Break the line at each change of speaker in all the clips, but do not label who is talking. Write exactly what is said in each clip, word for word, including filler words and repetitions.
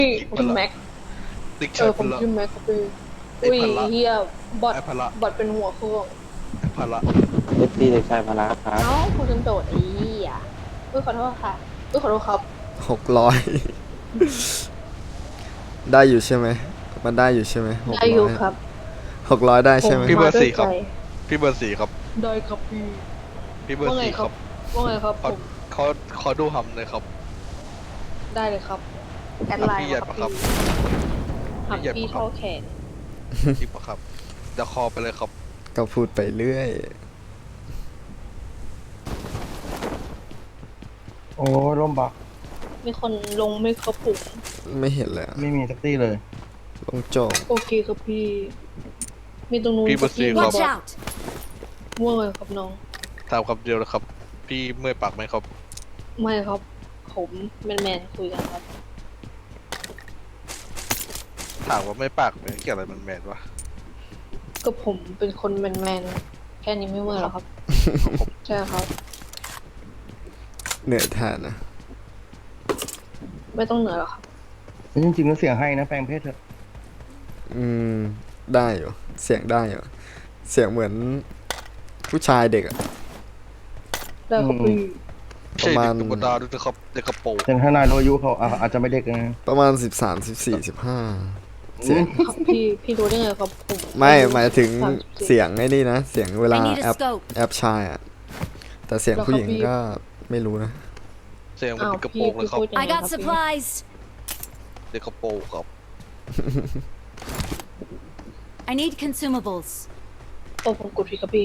พี่ผมแม็กเออผมชื่อแม็กครับพี่อุ้ยเฮียบอทบอทเป็นหัวเครื่อง
พละ
เอฟซีเด็กชายพละครับ
เอ้าคุณจนโดดไอ้เหี้ยอุ้ยขอโทษค่ะอุ้ยขอโทษครับ
หกร้อยได้อยู่ใช่ไหมมันได้อยู่ใช่ไหมหก
ได้อยู่
ร้อย
ครับ
หกร้อยได้ใช่ไหม
พี่เบอร์สี่ครับพี่เบอร์สี่ครับ
ได้ครับพี่
พี่เบอร์สี่ครับ
ว่าไงครับผ
เขา
ม
เขาขอดูหำเลยครับ
ได้เลยครับแอดไลน์
พี่เหยียด
มา
ปะ
ค
ครั
รับบ หัก
พี่เหยียด
พี่
ปะครับ
เท่าแขน
จิบปะครับเดี๋ยวคอไปเลยครับ
ก็พูดไปเรื่อย
โอ้ร่มบัก
มีคนลงไม่ครบผม
ไม่เห็นเลยอะ
ไม่มีสักตี้เลย
ลงโจง
โอเคครับพี่ มีตรงนู้น
พี่เบอร์สี่
ค
ครั
รับ บม่วงเลยครับน้อง
ถามคำเดียวนะครับ พี่เมื่อยปากไหมครับ
ไม่ครับ ผมแมนแมนๆคุยกันครับ
ถามว่าไม่ปากไหมเกี่ยวอะไรมันแมนวะ
ก็ผมเป็นคนแมนแมนๆแค่นี้ไม่เมื่อยหรอครับ ใช่ครับ
เหนื่อยแทนนะ
ไม่ต้องเหนื่อยหรอกครับ
จริงๆแล้วเสียงให้นะแปลงเพศเถอะ
อืมได้อยู่เสียงได้อยู่เสียงเหมือนผู้ชายเด็กอะ
ได้ครับพี่
ไม่ใช่เด็กธรรมดาด้วยนะครับเด็กกระโปรง
แต่ถ้านายรู้อายุเขาอ่ะอาจจะไม่เด็กนะ
ประมาณสิบสามสิบสี่สิบห้าเสียง
ครับพี่พี่รู้ได้ไงครับผม
ไม่หมายถึง
สามสิบสี่
เสียงไอ้นี่นะ เสียงเวลา
I need
แอ
a
ป
scope.
แอปชายอะแต่เสียงผู้หญิงก็ไม่รู้นะ
เสียงมัน
อ้าว
เด็กกระโป
พี่
รงเลย
พี่
ครับ
พูดยังไง
I
ครั
got
บพี่
supplies.
เด็กกระโปรงครับ
I need consumables.
โอ้ผมกดพี่ครับพี่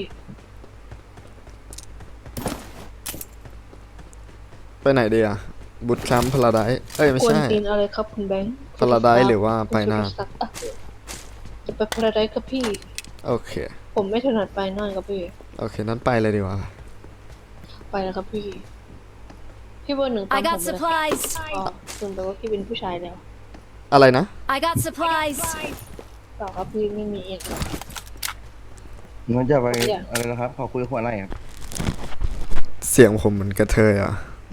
ไปไหนดีอะบุตแคมป์พลาไดเอ้ยไม่
กวน
ใช่
ตีนอะไรครับคุณแบงค์
พาราไดซ์หรือว่าไปหน้า
จะไปพาราไดซ์ครับพี่
โอเค
ผมไม่ถนัดไปหน้าครับพี่
โอเคนั้นไปเลยดีกว่า
ไปแล้วครับพี่ พี่เบอร์หนึ่งตาม
I
ผม
got
เลย
supplies.
อ๋อลืมไปว่าพี่เป็นผู้ชายแล้ว
อะไรนะ
I got supplies.
เปล่าครับพี่ไม่มีเองหรอก
มันจะไป
เนี่ย
อะไรนะครับขอคุยกับหัวไหนครับ
เสียงผมเหมือนกระเทยอ่ะ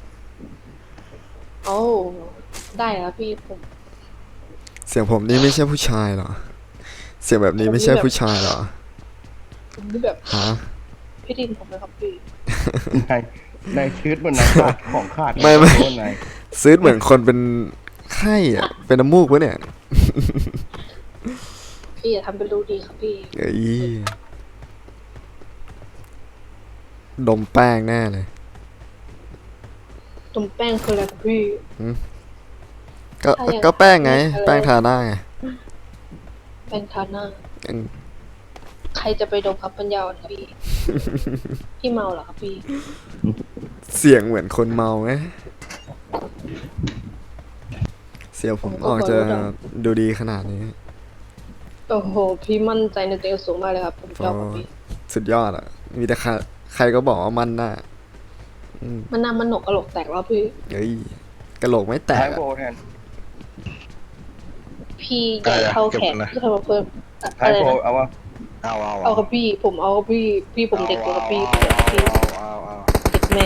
โอ้ได้แล้วพี่ผม
เสียงผมนี่ไม่ใช่ผู้ชายเหรอ เสียงแบบนี้ไม่ใช่ผู้ชายเหรอ
ผมนี่แบบ
ฮะ
พี่ดินผมเลยครับพี่
นายนายชืดบนนายขาดของขาด
ไม่ไม่
โดนนาย
ซื้อเหมือนคนเป็นไข้อ่ะ เป็นน้ำมูกวะเนี่ย
พี่อย่าทำเป็นรู้ดีครับพี่
เอ้ยดมแป้งแน่เลย
ตุ่มแป้งคืออะไรครับพี่
ก็
ใช่อะ
ก็แป้งไง
อะไร
แป้งทาหน้าไง
แป้งทาหน้า
อืม
ใครจะไปดมครับปัญญาอ่อนครับพี่ พี่เมาเหรอครับพี่
เสียงเหมือนคนเมาไหมเสียงผมออกจะดูดีขนาดนี้
โอ้โห พี่มั่นใจในตัวเองสูงมากเลยครับ ผมชอบครับพี่
สุดยอดอ่ะ มีแต่ใครใครก็บอกว่ามันน่ะอืม
มันน่ามันหนกกระโหลกแตกแล้วพี่
เฮ้ยกระโหลกไม่แต
ท้าก ย
อะ
โบแทน
พี่ใหญ่เท่าแขนพี่ทำมาเพิ่มอะ
ท้าย
อะไร
โบ
นะ
เอาวะ
เอาเอา
เอาครับพี่ ผมเอาครับพี่ พี่ผมเด็กกว่าครับพี่ผมเอาพี่
เอาเอา
เด็กแม่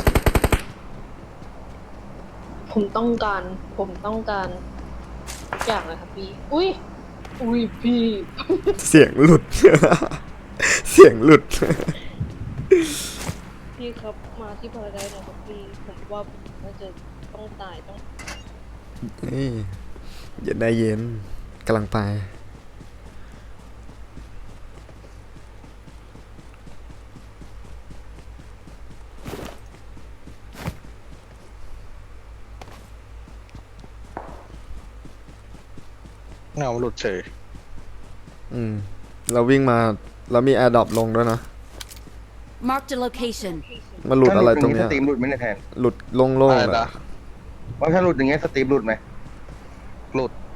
ผมต้องการ ผมต้องการทุกอย่างเลยครับพี่ อุ้ย อุ้ยพี่
เสียงหลุด เสียงหลุด
พี่ครับมาที่พาราไดซ์หน่อยครับพี่ ผมว่าผมน่าจะต้องตายต้อง
นี่อย่าได้เย็นกำลังไป
เงาหลุดเฉย
อืม เราวิ่งมาเรามีแอร์ดรอปลงด้วยนะ
Marked a location.
มาหลุดอะไรตรง
ส
เนี้ย
ตรีมหลุดไหมเนี่ยแทน
หลุดโล่ง
อะไร
ๆเลย
นะ
ว่าถ้าหลุดอย่างเงี้ยสตรีมหลุดไหม
หลุด